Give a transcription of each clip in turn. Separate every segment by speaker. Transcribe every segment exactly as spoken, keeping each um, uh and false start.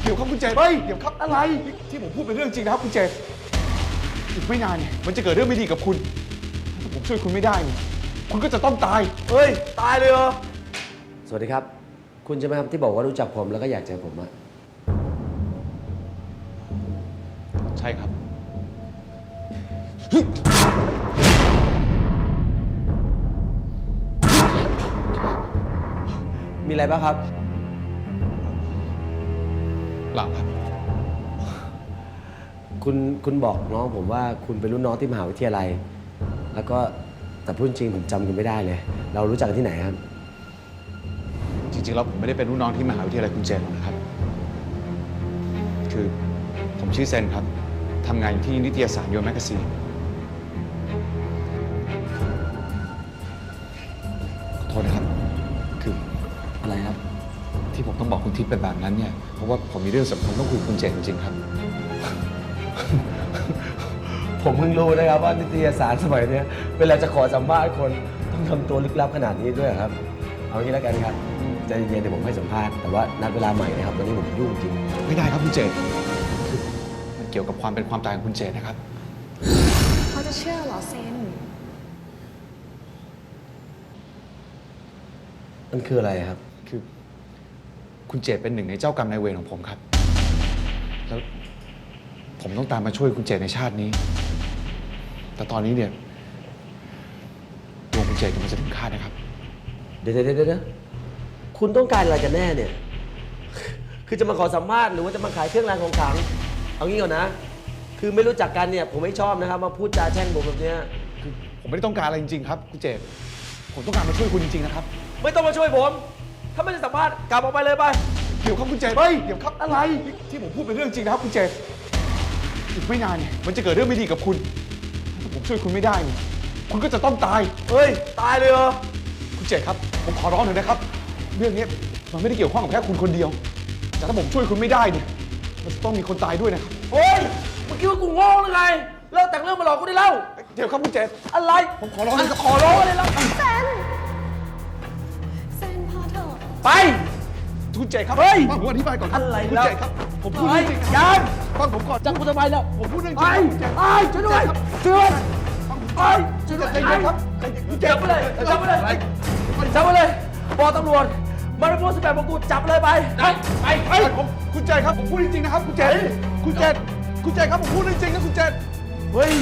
Speaker 1: เดี๋ยวครับคุณเจเฮ้ยเดี๋ยวครับอะไรที่ผมพูดเป็นเรื่องจริงนะครับคุณเจอีกไม่นานเนี่ยมันจะเกิดเรื่องไม่ดีกับคุณถ้าผมช่วยคุณไม่ได้เนี่ยคุณก็จะต้องตายเฮ้ยตายเลยเหรอ
Speaker 2: สวัสดีครับคุณใช่ไหมครับที่บอกว่ารู้จักผมแล้วก็อยากเจอผมอะ
Speaker 1: ใช่ครับ
Speaker 2: มีอะไรบ้างครับ
Speaker 1: เปล่าครับ
Speaker 2: คุณคุณบอกน้องผมว่าคุณเป็นรุ่นน้องที่มหาวิทยาลัยแล้วก็แต่พูดจริงผมจำคุณไม่ได้เลยเรารู้จักกันที่ไหนครับ
Speaker 1: จริงๆแล้วผมไม่ได้เป็นรุ่นน้องที่มหาวิทยาลัยคุณเจนหรอกนะครับคือผมชื่อเซนครับทำงานอยู่ที่นิตยสารยูแมกกาซีนขอโทษนะครับคือ
Speaker 2: อะไรครับ
Speaker 1: ที่ผมต้องบอกคุณทิพย์เป็นแบบนั้นเนี่ยเพราะว่าผมมีเรื่องสำคัญต้องคุยกับคุณเจนจริงๆครับ
Speaker 2: ผมเพิ่งรู้นะครับว่านิตยสารสมัยนี้เวลาจะขอสัมภาษณ์คนต้องทำตัวลึกลับขนาดนี้ด้วยครับเอางี้แล้วกันครับใจเย็นๆเดี๋ยวผมให้สัมภาษณ์แต่ว่านัดเวลาใหม่นะครับตอนนี้ผมยุ่งจริง
Speaker 1: ไม่ได้ครับคุณเจนคือมันเกี่ยวกับความเป็นความตายของคุณเจนนะครับ
Speaker 3: เขาจะเชื่อเหรอเซน
Speaker 2: มันคืออะไรครับ
Speaker 1: คือคุณเจตเป็นหนึ่งในเจ้ากรรมนายเวรของผมครับแล้วผมต้องตามมาช่วยคุณเจตในชาตินี้แต่ตอนนี้เนี่ยดวงคุณเจตกำลังจะถึงคาดนะครับ
Speaker 2: เดี๋ยวเดี๋ยวเดี๋ยวคุณต้องการอะไรกันแน่เนี่ยคือจะมาขอสัมภาษณ์หรือว่าจะมาขายเครื่องรางของขลังเอางี้ก่อนนะคือไม่รู้จักกันเนี่ยผมไม่ชอบนะครับมาพูดจาแช่งผมแบบนี้
Speaker 1: คือผมไม่ได้ต้องการอะไรจริงๆครับคุณเจตผมต้องการมาช่วยคุณจริงๆนะครับ
Speaker 2: ไม่ต้องมาช่วยผมถ้าไม่ได้สัมภาษณ์กลับออกไปเลยไป
Speaker 1: เดี๋ยวครับคุณเจตเฮ้ยเดี๋ยวครับอะไรที่ผมพูดเป็นเรื่องจริงนะครับคุณเจตอีกไม่นานเนี่ยมันจะเกิดเรื่องไม่ดีกับคุณถ้าผมช่วยคุณไม่ได้เนี่ยคุณก็จะต้องตาย
Speaker 2: เฮ้ยตายเลยเหรอ
Speaker 1: คุณเจตครับผมขอร้องหน่อยนะครับเรื่องนี้มันไม่ได้เกี่ยวข้องกับแค่คุณคนเดียวแต่ถ้าผมช่วยคุณไม่ได้เนี่ยมันจะต้องมีคนตายด้วยนะครับ
Speaker 2: โอ้ยเมื่อกี้ว่ากูโง่หรือไงเลิกแต่งเรื่องมาหลอกกูได้แล้ว
Speaker 1: เดี๋ยวครับคุณเจต
Speaker 2: อะไร
Speaker 1: ผมขอร้อง
Speaker 2: ขอร้องอะไรแล้ว
Speaker 3: เซนเซนพอเถอะ
Speaker 2: ไป
Speaker 1: คุณเจตครับ
Speaker 2: เฮ้ย
Speaker 1: ผมอธิบายก่อน
Speaker 2: อะไร
Speaker 1: คุณเจตครับผมพูดเรื่องจริง
Speaker 2: ยัง
Speaker 1: ฟังผมก่อน
Speaker 2: จับกูทำไมแล้ว
Speaker 1: ผมพูดเรื่องจ
Speaker 2: ริงไปช่วยด้วยช่วยด้วยไปช่วยด้วยใจเย็นครับจับไปเลยจับไปเลยจับไปเลยบอกตำรวจมาริโพสแปดมงกุฎจับเลยไปไป
Speaker 1: ไปไปผมคุณเจตครับผมพูดจริงๆนะครับคุณเจตคุณเจตคุณเจตครับผมพูดเรื่องจริงนะคุณเจต
Speaker 2: เฮ้ย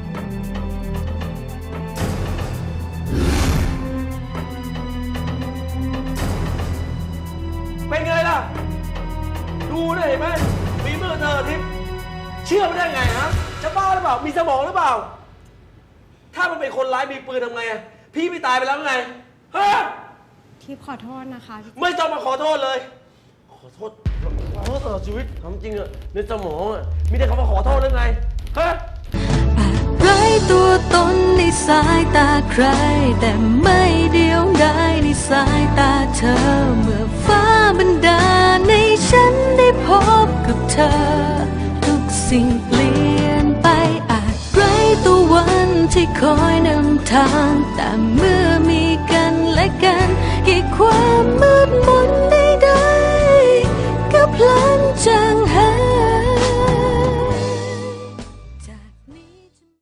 Speaker 2: เป็นไงล่ะดูได้เห็นไหมมีมือเธอทิพย์เชื่อไม่ได้ไงฮะจะบ้าหรือเปล่ามีสมองหรือเปล่าถ้ามันเป็นคนร้ายมีปืนทำไงพี่ไม่ตายไปแล้วไงฮะ
Speaker 3: ทิพย์ขอโทษนะคะ
Speaker 2: ไม่ต้องมาขอโทษเลยขอโทษขอโทษตลอดชีวิตทำจริงอะในสมองอะมีแต่คำว่าขอโทษหรือไงฮะ
Speaker 4: ไร้ตัวตนในสายตาใครแต่ไม่เดียวดายในสายตาเธอเมื่อฟ้าบันดาลให้ฉันได้พบกับเธอทุกสิ่งเปลี่ยนไปอาจไร้ตัววันที่คอยนำทางแต่เมื่อมีกันและกันให้ความมืดม